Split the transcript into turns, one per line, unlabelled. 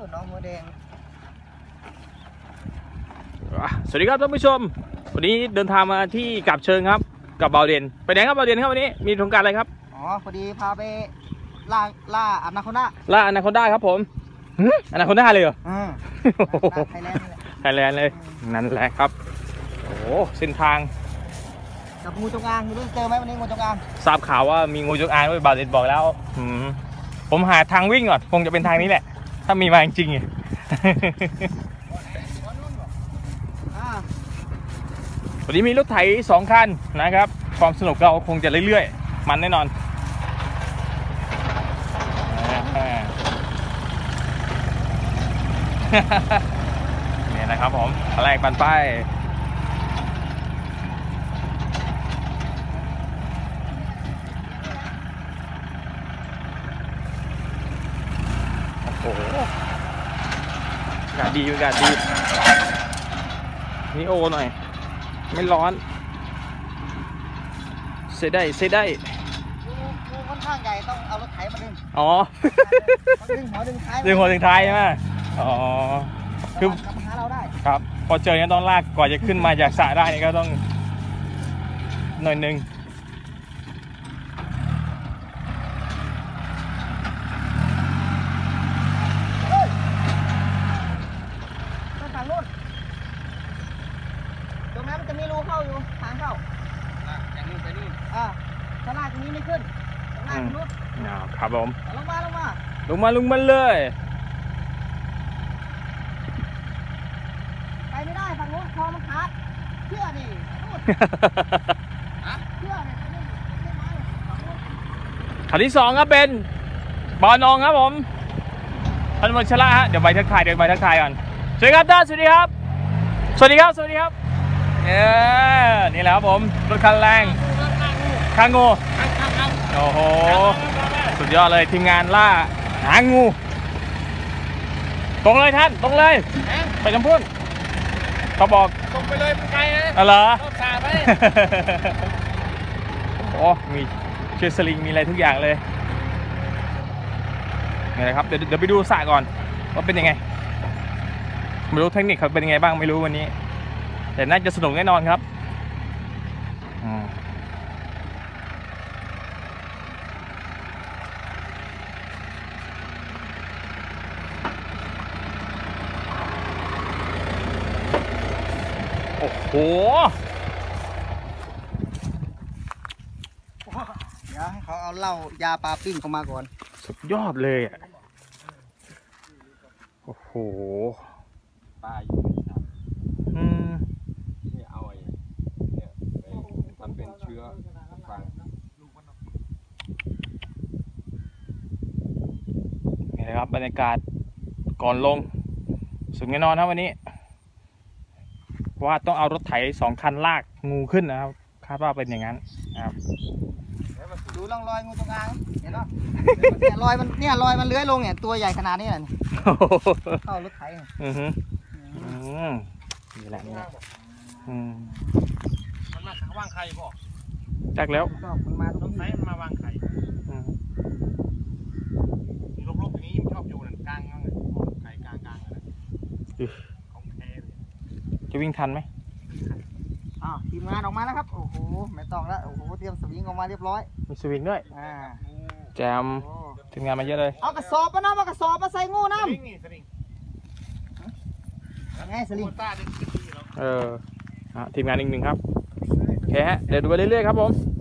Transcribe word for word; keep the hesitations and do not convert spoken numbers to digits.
น้องหัวแดง
สวัสดีครับท่านผู้ชมวันนี้เดินทางมาที่กับเชิงครับกับเบาเด่นไปไหนครับเบาเด่นครับวันนี้มีโครงการอะไรครับ
อ๋อพอดีพาไปล่าล่าอนาคอนดา
ล่าอนาคอนดาครับผมอนาคอนดาเลยเหรอ
ไทยแลนด์
ไทยแลนด์เลยนั่นแหละครับโอ้เส้นทาง
กับงูจงอางรู้เจอไหมวันนี้งูจงอาง
ทราบข่าวว่ามีงูจงอางด้วยเบาเด่นบอกแล้วผมหาทางวิ่งก่อนคงจะเป็นทางนี้แหละถ้ามีมาจริงๆวันนี้มีรถไถสองคันนะครับความสนุกเราคงจะเรื่อยๆมันแน่นอนนี่นะครับผมแรกปันป้ายโอ้โหอากาศดีอากาศดีนี่โอหน่อยไม่ร้อนเสียได้เสียได้
งูค่อนข้างใหญ่ต้องเอารถไถมาดึง
อ๋อ
ดึงหัวดึงท้าย
ดึงหัวดึงท้ายใช่ไหมอ๋อคือ
หาเราได้
ครับพอเจอเนี่ยต้องลากกว่าจะขึ้นมาจากสระได้นี่ก็ต้องหน่อยนึง
ทางนู้นตรงนั้นมันจะมีรูเข้าอยู่ทางเข้าจากนู้นไปนู่นอ่าข้างหน้าตรงนี้ไม่ขึ้นข้างหน้าตรงนู้น
ครับผม
ลงมาลงมา
ลงมาลงมาเลย
ไปไม่ได้ฝั่งนู้นคอมันขาดเชื่อดินู่นเชื่อดิ
ขันที่สองครับเป็นบอลนองครับผมท่านวัชระฮะเดี๋ยวใบทักทายเดี๋ยวใบทักทายก่อนสวัสดีครับท่านสวัสดีครับสวัสดีครับสวัสดีครับเออนี่แหละครับผมรถคันแรงคางงูโอ้โหสุดยอดเลยทีมงานล่าหางูตรงเลยท่านตรงเลยไปจำพุ่นเขาบอก
ตรงไปเลยมันไกลนะ
อ๋อเหรอ
รอบสาไป
โอ้มีเชือกสลิงมีอะไรทุกอย่างเลยนี่แหละครับเดี๋ยวเดี๋ยวไปดูสระก่อนว่าเป็นยังไงไม่รู้เทคนิคเขาเป็นยังไงบ้างไม่รู้วันนี้แต่น่าจะสนุกแน่นอนครับโอ้โห
เดี๋ยวให้เขาเอาเหล้ายาปลาปิ้งเข้ามาก่อน
สุดยอดเลยอ่ะโอ้โห
ปลาอยู่ในน้ำ
อืม
นี่เอาไอ้เนี่ยไปทำเป็นเชื้อฟัง
นี่นะครับบรรยากาศก่อนลงสุดแน่นอนครับวันนี้ว่าต้องเอารถไถสองคันลากงูขึ้นนะครับคาดว่าเป็นอย่างนั้นนะครับ
ดูร่องรอยงูจงอางเห็นป่ะเนี่ยรอยมันเนี่ยรอยมันเลื้อยลงเนี่ยตัวใหญ่ขนาดนี้เลยเข้ารถไถ
อือฮึอืมนี่แหละนี่แหละอืม
มันมาวางไข่ป่ะ
จักแล้ว
มันมาตรง
ไหนมันมาวางไข่ลบๆอย่างนี้ชอบอยู่นั่นกลางนั่นไข่กลางกลางนะของแท้
จะวิ่งทันไหม
อ้าวทีมงานออกมาแล้วครับโอ้โหไม่ต้องแล้วโอ้โหเตรียมสวิงออกมาเรียบร้อย
มีสวิงด้วย
อ่า
แจมทีมงานมาเยอะเลย
เอากระสอบมาน้ำเอากระสอบมาใส่งูน้ำไงสลิง
เออทีมงานอีกหนึ่งครับโอเคฮะเดี๋ยวดูไปเรื่อยๆครับผม